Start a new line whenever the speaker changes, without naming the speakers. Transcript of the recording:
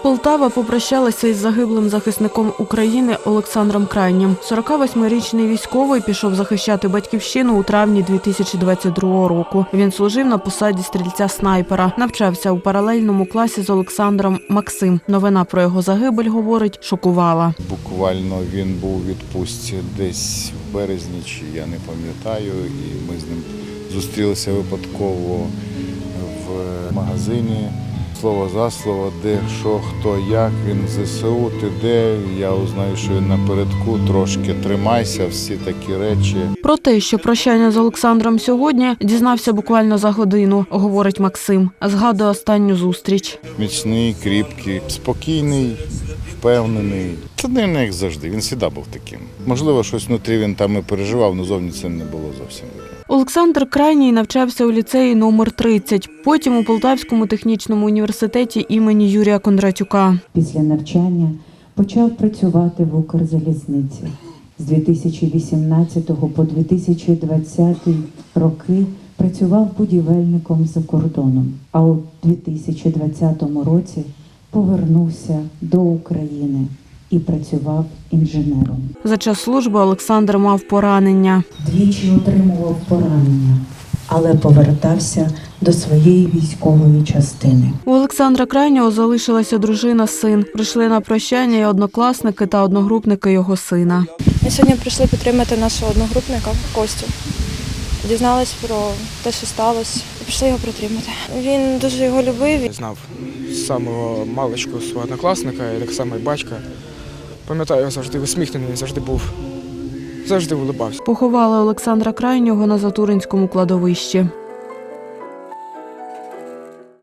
Полтава попрощалася із загиблим захисником України Олександром Крайнім. 48-річний військовий пішов захищати батьківщину у травні 2022 року. Він служив на посаді стрільця-снайпера. Навчався у паралельному класі з Олександром Максим. Новина про його загибель, говорить, шокувала.
Буквально він був у відпустці десь в березні, чи я не пам'ятаю, і ми з ним зустрілися випадково в магазині. Слово за слово, де, що, хто, як, він в ЗСУ, ти де, я узнаю, що він напередку, трошки тримайся, всі такі речі.
Про те, що прощання з Олександром сьогодні, дізнався буквально за годину, говорить Максим. Згадує останню зустріч.
Міцний, кріпкий, спокійний, впевнений. Це не як завжди, він завжди був таким. Можливо, щось внутрі він там і переживав, але зовні це не було зовсім видно.
Олександр Крайній навчався у ліцеї номер 30, потім у Полтавському технічному університеті імені Юрія Кондратюка.
Після навчання почав працювати в Укрзалізниці. З 2018 по 2020 роки працював будівельником за кордоном, а у 2020 році повернувся до України і працював інженером.
За час служби Олександр мав поранення.
Двічі отримував поранення, але повертався до своєї військової частини.
У Олександра Крайнього залишилася дружина, син. Прийшли на прощання і однокласники та одногрупники його сина.
Ми сьогодні прийшли підтримати нашого одногрупника Костю. Дізнались про те, що сталося, і прийшли його підтримати. Він дуже його любив.
Я знав з самого маличку свого однокласника, і так само і батька. Пам'ятаю, він завжди усміхнений, завжди улибався.
Поховали Олександра Крайнього на Затуринському кладовищі.